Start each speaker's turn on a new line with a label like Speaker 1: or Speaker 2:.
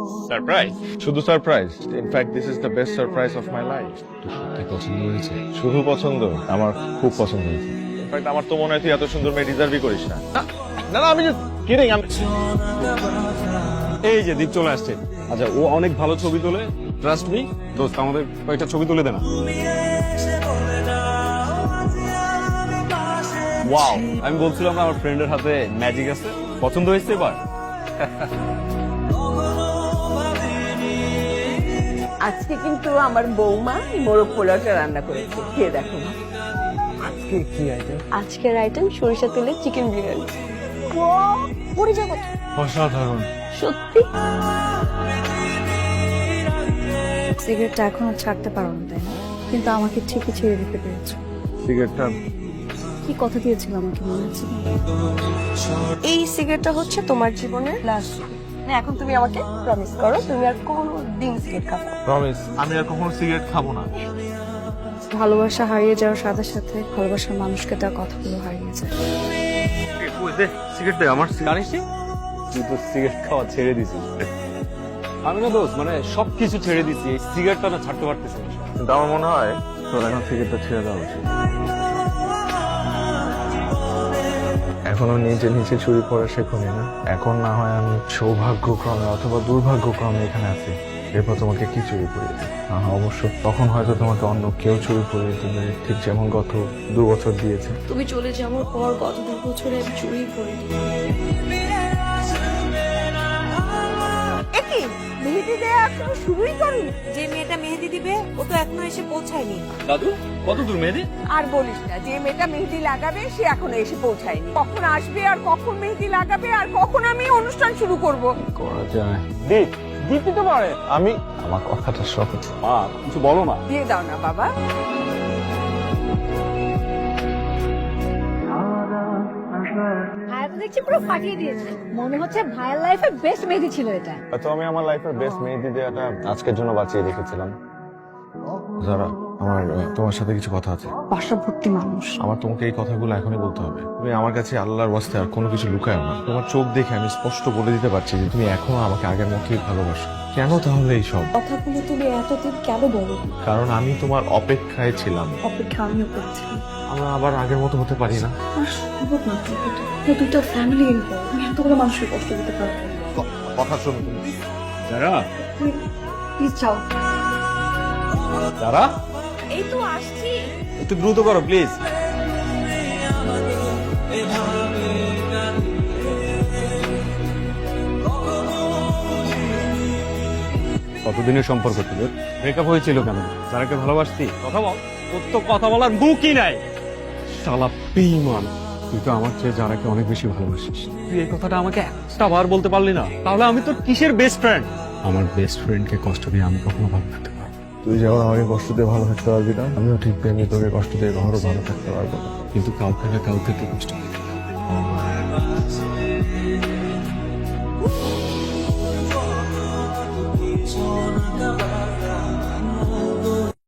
Speaker 1: Surprise? শুধু surprise, in fact this is the best surprise of my life.
Speaker 2: সত্যি পছন্দ হয়েছে?
Speaker 1: শুধু পছন্দ, আমার খুব পছন্দ হয়েছে। ইনফ্যাক্ট আমার তো মনে হয় তুই এত সুন্দর মেয়ে ডিজার্ভই করিস না। না না, আমি জাস্ট কিডিং।
Speaker 2: এই যে দীপ চলে আসছে। আচ্ছা, ও অনেক ভালো ছবি তোলে, ট্রাস্ট মি। দোস্ত, আমাদের কয়েকটা ছবি তুলে দে না। ওয়াও, আমি বলছিলাম না আমার ফ্রেন্ডের হাতে ম্যাজিক আছে। পছন্দ হয়েছে এবার?
Speaker 3: আজকে কিন্তু আমার বৌমা মোরগ পোলাওটা রান্না করেছে, খেয়ে দেখো।
Speaker 2: আজকে কি আইটেম?
Speaker 4: আজকের আইটেম সরিষা তেলের চিকেন বিরিয়ানি। পড়ে যাবো
Speaker 2: অসাধারণ।
Speaker 4: সত্যি।
Speaker 5: সিগারেটটা এখনো ছাড়তে পারো না, তাই না? কিন্তু আমাকে ঠিকই ছেড়ে দিতে পেরেছো।
Speaker 1: সিগারেটটা
Speaker 5: কি কথা দিয়েছিল আমাকে, মনে আছে?
Speaker 4: এই সিগারেটটা হচ্ছে তোমার জীবনের লাস্ট। এখন তুমি আমাকে প্রমিস করো তুমি আর কোনোদিন সিগারেট খাবে না।
Speaker 1: প্রমিস, আমি আর কখনো সিগারেট খাবো না।
Speaker 5: ভালোবাসা হারিয়ে যাওয়ার সাথে সাথে ভালোবাসার মানুষকে তার কথাগুলো হারিয়ে যায়।
Speaker 2: সিগারেট দে আমার। জানিস তুই তো সিগারেট খাওয়া ছেড়ে দিছিস। আমি না দোস্ত, মানে সবকিছু ছেড়ে দিছি, এই সিগারেটটা না ছাড়তে পারতেছি না।
Speaker 1: কিন্তু আমার মনে হয় তোর এখন সিগারেটটা ছেড়ে দেওয়া উচিত। এখনো নিজে নিচে চুরি করে শেখনি না? এখন না হয় আমি সৌভাগ্যক্রমে অথবা দুর্ভাগ্যক্রমে এখানে আছি, এরপর তোমাকে কি চুরি করিয়েছে? অবশ্য তখন হয়তো তোমাকে অন্য কেউ চুরি করিয়ে দেবে, ঠিক যেমন গত 2 বছর দিয়েছে।
Speaker 4: তুমি চলে যাওয়ার পর গত 2 বছরে আমি চুরি করিনি।
Speaker 3: একই মেহেদি দেয়া এখনো শুরুই করি।
Speaker 6: যে মেয়েটা মেহেদি দিবে ও তো এখনো এসে পৌঁছায়নি।
Speaker 2: দাদু, কত দূর মেহেদি?
Speaker 3: আর বলিস না, যে মেয়েটা মেহেদি লাগাবে সে এখনো এসে পৌঁছায়নি। কখন আসবে আর কখন মেহেদি লাগাবে আর কখন আমি অনুষ্ঠান শুরু করব?
Speaker 1: করা যায়।
Speaker 2: দীপ, দীপ দিতে পারে।
Speaker 1: আমার কথাটা সহজ।
Speaker 2: মা, কিছু বলো না।
Speaker 3: দিয়ে দাও না বাবা।
Speaker 5: ভাইয়া তো দেখছি পুরো ফাটিয়ে দিয়েছে। মনে হচ্ছে ভাইয়ের লাইফের বেস্ট মেহেদি ছিল এটা।
Speaker 1: তো আমি আমার লাইফের বেস্ট মেহেদি দেওয়াটা আজকের জন্য বাঁচিয়ে রেখেছিলাম। যারা আমার তোমার সাথে কিছু কথা আছে।
Speaker 5: বাসা ভর্তি মানুষ।
Speaker 1: আমার তোমাকে এই কথাগুলো এখনই বলতে হবে। তুমি আমার কাছে আল্লাহর ওয়াস্তে আর কোনো কিছু লুকায়ো না। তোমার চোখ দেখে আমি স্পষ্ট বলে দিতে পারছি যে তুমি এখনো আমাকে আগের মতোই ভালোবাসো। কেন তাহলে এইসব
Speaker 5: কথাগুলো তুমি এতদিন কেন বলো?
Speaker 1: কারণ আমি তোমার অপেক্ষায় ছিলাম।
Speaker 5: অপেক্ষা আমিও করছিলাম।
Speaker 1: আমরা আবার আগের মতো হতে পারি না।
Speaker 5: আর সম্ভব না তো এটা। দুটো ফ্যামিলি ইনভলভ। আমি এতগুলো মানুষকে কষ্ট দিতে পারবো না।
Speaker 1: কথা শোনো তুমি।
Speaker 2: যারা
Speaker 5: প্লিজ যাও।
Speaker 2: যারা
Speaker 6: এই তো আসছি।
Speaker 2: একটু দ্রুত করো প্লিজ। কতদিনের সম্পর্ক ছিল? ব্রেকআপ হয়েছিল কেন? যারাকে ভালোবাসতি? কথা বল। তোর তো কথা বলার মুখই নাই। শালা বেঈমান, তুই তো আমার চেয়ে যারাকে অনেক বেশি ভালোবাসিস। তুই এই কথাটা আমাকে একটা বার বলতে পারলি না? তাহলে আমি তোর কিসের বেস্ট ফ্রেন্ড? আমার বেস্ট ফ্রেন্ডকে কষ্ট দিয়ে আমি কখনো ভালো থাকতে পারবো না।
Speaker 1: তুই যেমন আমাকে কষ্ট দিয়ে ভালো থাকতে পারবি না, আমিও ঠিক তেমনি তোকে কষ্ট দিয়ে কখনো ভালো থাকতে পারবো না।
Speaker 2: কিন্তু কাউকে না কাউকে তো কষ্ট দিতে হবে।